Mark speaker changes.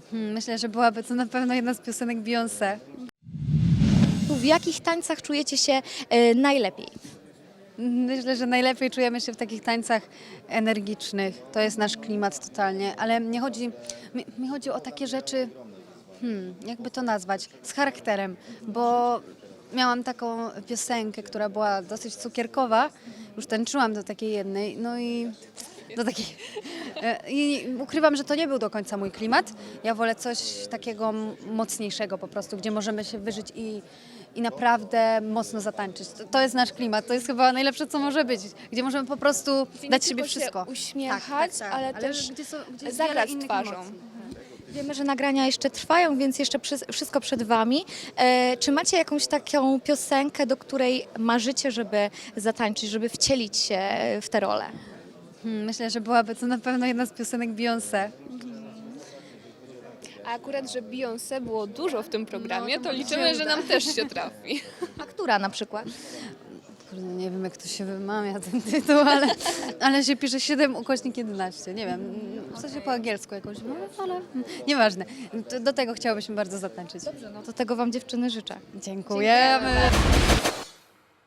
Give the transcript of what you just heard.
Speaker 1: Myślę, że byłaby to na pewno jedna z piosenek Beyoncé.
Speaker 2: W jakich tańcach czujecie się najlepiej?
Speaker 1: Myślę, że najlepiej czujemy się w takich tańcach energicznych. To jest nasz klimat totalnie, ale mi chodzi o takie rzeczy, jakby to nazwać, z charakterem, bo miałam taką piosenkę, która była dosyć cukierkowa, już tańczyłam do takiej jednej, no i do takiej... I ukrywam, że to nie był do końca mój klimat. Ja wolę coś takiego mocniejszego po prostu, gdzie możemy się wyżyć i naprawdę mocno zatańczyć. To jest nasz klimat, to jest chyba najlepsze, co może być, gdzie możemy po prostu dać siebie wszystko.
Speaker 3: Uśmiechać, ale też
Speaker 1: gdzie jest
Speaker 3: zagrać
Speaker 1: wiele innych
Speaker 3: twarzą.
Speaker 1: emocji.
Speaker 2: Wiemy, że nagrania jeszcze trwają, więc jeszcze wszystko przed Wami. Czy macie jakąś taką piosenkę, do której marzycie, żeby zatańczyć, żeby wcielić się w tę rolę?
Speaker 1: Myślę, że byłaby to na pewno jedna z piosenek Beyoncé.
Speaker 3: A akurat, że Beyoncé było dużo w tym programie,
Speaker 1: No,
Speaker 3: to
Speaker 1: to
Speaker 3: liczymy,
Speaker 1: się
Speaker 3: że
Speaker 1: uda.
Speaker 3: nam też się trafi.
Speaker 2: A która na przykład?
Speaker 1: Kurde, nie wiem, jak to się wymawia ten tytuł, ale się pisze 7/11. Nie wiem, w sensie po angielsku jakoś, no, ale nieważne. Do tego chciałabyśmy bardzo zatańczyć.
Speaker 2: No to tego Wam dziewczyny życzę.
Speaker 1: Dziękujemy.